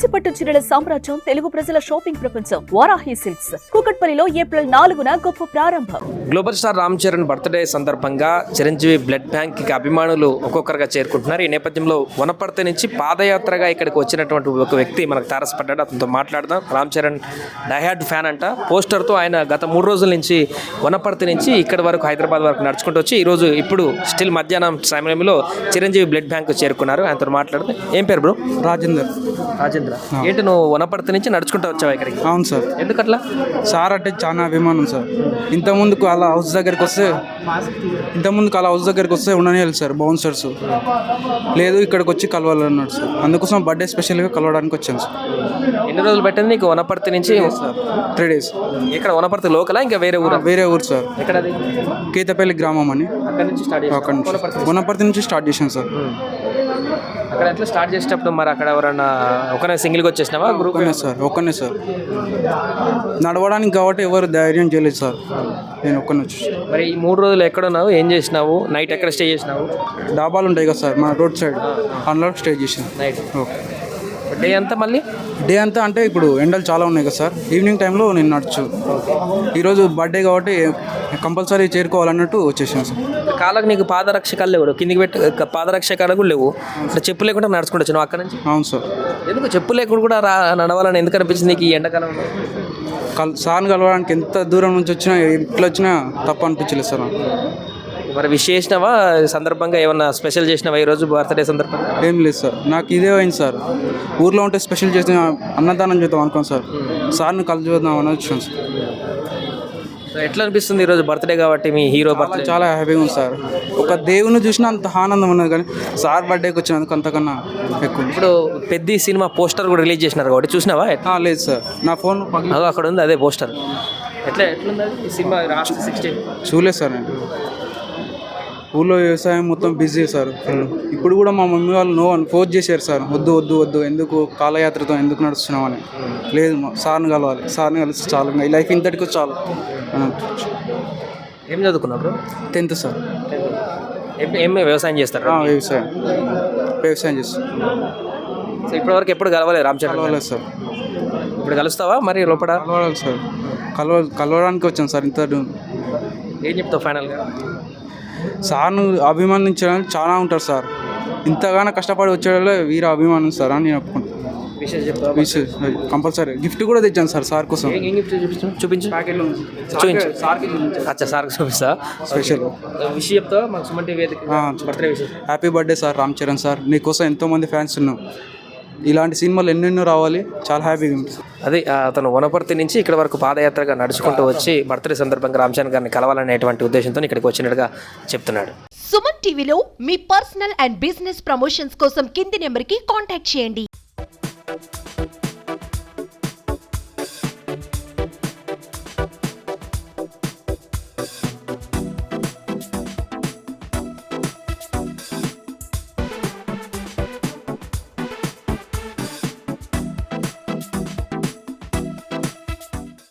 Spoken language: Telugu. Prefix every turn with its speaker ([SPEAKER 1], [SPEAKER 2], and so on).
[SPEAKER 1] కంచిపట్టు చీరల సామ్రాజ్యం, తెలుగు ప్రజల షాపింగ్ ప్రపంచం వారాహి సిల్క్స్. కూకట్పల్లిలో ఏప్రిల్ 4న గొప్ప ప్రారంభం.
[SPEAKER 2] Global star Ram Charan birthday సందర్భంగా చిరంజీవి బ్లడ్ బ్యాంక్ కి అభిమానులు ఒక్కొక్కరుగా చేరుకుంటున్నారు. ఈ నేపథ్యంలో వనపర్తి నుంచి పాదయాత్రగా ఇక్కడికి వచ్చినటువంటి ఒక వ్యక్తి మనకు తారసపడ్డాడు. అతనితో మాట్లాడదాం. రామ్ చరణ్ డైహార్డ్ ఫ్యాన్ అంట. పోస్టర్తో ఆయన గత 3 రోజుల నుంచి వనపర్తి నుంచి ఇక్కడి వరకు హైదరాబాద్ వరకు నడుచుకుంటూ వచ్చి ఈరోజు ఇప్పుడు స్టిల్ మధ్యాహ్నం సమయంలో చిరంజీవి బ్లడ్ బ్యాంక్ చేరుకున్నారు. ఆయనతో మాట్లాడితే ఏం పేరు బ్రో?
[SPEAKER 3] రాజేందర్.
[SPEAKER 2] ఏంటి నువ్వు వనపర్తి నుంచి నడుచుకుంటూ వచ్చావా ఇక్కడికి?
[SPEAKER 3] అవును సార్.
[SPEAKER 2] ఎందుకట్లా?
[SPEAKER 3] సార్ అంటే చాలా అభిమానం సార్. ఇంతకుముందుకు అలా హౌస్ దగ్గరికి వస్తే ఉండని సార్ బౌన్సర్స్ లేదు, ఇక్కడికి వచ్చి కలవాలన్నాడు సార్. అందుకోసం బర్త్డే స్పెషల్గా కలవడానికి వచ్చాను సార్.
[SPEAKER 2] ఎన్ని రోజులు పెట్టింది నీకు వనపర్తి నుంచి?
[SPEAKER 3] Sir 3 days.
[SPEAKER 2] ఇక్కడ వనపర్తి లోకలా ఇంకా వేరే ఊరు?
[SPEAKER 3] వేరే ఊరు సార్.
[SPEAKER 2] ఎక్కడది?
[SPEAKER 3] కేతపల్లి గ్రామం అని.
[SPEAKER 2] అక్కడ నుంచి స్టార్ట్
[SPEAKER 3] అక్కడ నుంచి వనపర్తి నుంచి స్టార్ట్ చేశాను సార్.
[SPEAKER 2] అక్కడ ఎట్లా స్టార్ట్ చేసేటప్పుడు మరి అక్కడ ఎవరన్నా ఒకనే సింగిల్గా వచ్చేసినావా? గ్రూప్
[SPEAKER 3] ఒక్కనే సార్. నడవడానికి కాబట్టి ఎవరు ధైర్యం చేయలేదు సార్. నేను ఒక్కనే వచ్చి.
[SPEAKER 2] మరి ఈ 3 రోజులు ఎక్కడ ఉన్నావు? ఏం చేసినావు? నైట్ ఎక్కడ స్టే చేసినావు?
[SPEAKER 3] డాబాలు ఉంటాయి కదా సార్ మన రోడ్ సైడ్, అందులో స్టే చేసాను
[SPEAKER 2] నైట్.
[SPEAKER 3] ఓకే.
[SPEAKER 2] డే అంతా మళ్ళీ
[SPEAKER 3] డే అంతా అంటే ఇప్పుడు ఎండలు చాలా ఉన్నాయి కదా సార్. ఈవినింగ్ టైంలో నేను నడచు. ఈరోజు బర్త్డే కాబట్టి కంపల్సరీ చేరుకోవాలన్నట్టు వచ్చేసాను సార్.
[SPEAKER 2] కాళ్ళకు నీకు పాదరక్షకాలు లేవు, కిందికి పెట్టి పాదరక్షకాలు కూడా లేవు. అంటే చెప్పు లేకుండా నడుచుకుంటూ వచ్చాను అక్కడ నుంచి.
[SPEAKER 3] అవును సార్.
[SPEAKER 2] ఎందుకు చెప్పు లేకుండా కూడా నడవాలని ఎందుకు అనిపించింది నీకు ఈ ఎండాకాలంలో?
[SPEAKER 3] సార్ని కలవడానికి ఎంత దూరం నుంచి వచ్చినా ఇట్లా వచ్చినా తప్ప అనిపించలేదు సార్.
[SPEAKER 2] మరి విష్ చేసినావా? సందర్భంగా ఏమన్నా స్పెషల్ చేసినావా ఈరోజు బర్త్డే సందర్భంగా?
[SPEAKER 3] ఏం లేదు సార్. నాకు ఇదే అయింది సార్. ఊర్లో ఉంటే స్పెషల్ చేసిన అన్నదానం చేద్దాం అనుకోండి సార్. సార్ని కలిసి చూద్దాం అని వచ్చాను సార్.
[SPEAKER 2] ఎట్లా అనిపిస్తుంది ఈరోజు బర్త్డే కాబట్టి మీ హీరో బర్త్డే?
[SPEAKER 3] చాలా హ్యాపీగా ఉంది సార్. ఒక దేవుని చూసినా అంత ఆనందం ఉన్నది, కానీ సార్ బర్త్డేకి వచ్చినందుకు అంతకన్నా ఎక్కువ.
[SPEAKER 2] ఇప్పుడు పెద్ద సినిమా పోస్టర్ కూడా రిలీజ్ చేసినారు కాబట్టి చూసినావా?
[SPEAKER 3] లేదు సార్, నా ఫోన్
[SPEAKER 2] అక్కడ ఉంది అదే పోస్టర్. ఎట్లుంది ఈ సినిమా? లాస్ట్ 16
[SPEAKER 3] చూడలేదు సార్. నేను ఊళ్ళో వ్యవసాయం మొత్తం బిజీ సార్. ఇప్పుడు కూడా మా మమ్మీ వాళ్ళు నో అని ఫోర్స్ చేశారు సార్. వద్దు ఎందుకు కాలయాత్రతో ఎందుకు నడుస్తున్నావు అని. లేదు, సార్ని కలవాలి, సార్ని కలిసి చాలు, ఈ లైఫ్ ఇంతటికి చాలు.
[SPEAKER 2] ఏం చదువుకున్నారు?
[SPEAKER 3] 10th sir.
[SPEAKER 2] ఏం వ్యవసాయం చేస్తారు?
[SPEAKER 3] వ్యవసాయం చేస్తారు.
[SPEAKER 2] సో ఇప్పటివరకు ఎప్పుడు కలవలేదు రామ్ చరణ్?
[SPEAKER 3] కలవలేదు సార్.
[SPEAKER 2] ఇప్పుడు కలుస్తావా మరి లోపల?
[SPEAKER 3] కలవాలి సార్. కలవడానికి వచ్చాను సార్. ఇంత
[SPEAKER 2] ఏం చెప్తావు ఫైనల్గా?
[SPEAKER 3] సార్ను అభిమానించడానికి చాలా ఉంటారు సార్. ఇంతగానో కష్టపడి వచ్చేవాళ్ళే వీర అభిమానం సార్ అని నేను ఒప్పుకుంటాను. విషయం కంపల్సరీ. గిఫ్ట్ కూడా తెచ్చాను సార్ సార్ కోసం.
[SPEAKER 2] చూపించు. అచ్చా, సార్ చూపిస్తా.
[SPEAKER 3] స్పెషల్
[SPEAKER 2] విష్ చెప్తావా మాకు సుమన్ టీవీ బర్త్డే విషయం?
[SPEAKER 3] Happy birthday sir Ram Charan sir. నీకోసం ఎంతోమంది ఫ్యాన్స్ ఉన్నాం. ఇలాంటి సినిమాలు ఎన్నెన్నో రావాలి. చాలా హ్యాపీగా ఉంటుంది.
[SPEAKER 2] అదే అతను వనపర్తి నుంచి ఇక్కడ వరకు పాదయాత్రగా నడుచుకుంటూ వచ్చి బర్త్డే సందర్భంగా రామ్ చరణ్ గారిని కలవాలనేటువంటి ఉద్దేశంతో ఇక్కడికి వచ్చినట్టుగా చెప్తున్నాడు.
[SPEAKER 4] సుమన్ టీవీలో మీ పర్సనల్ అండ్ బిజినెస్ ప్రమోషన్స్ కోసం కింది నెంబర్కి కాంటాక్ట్ చేయండి.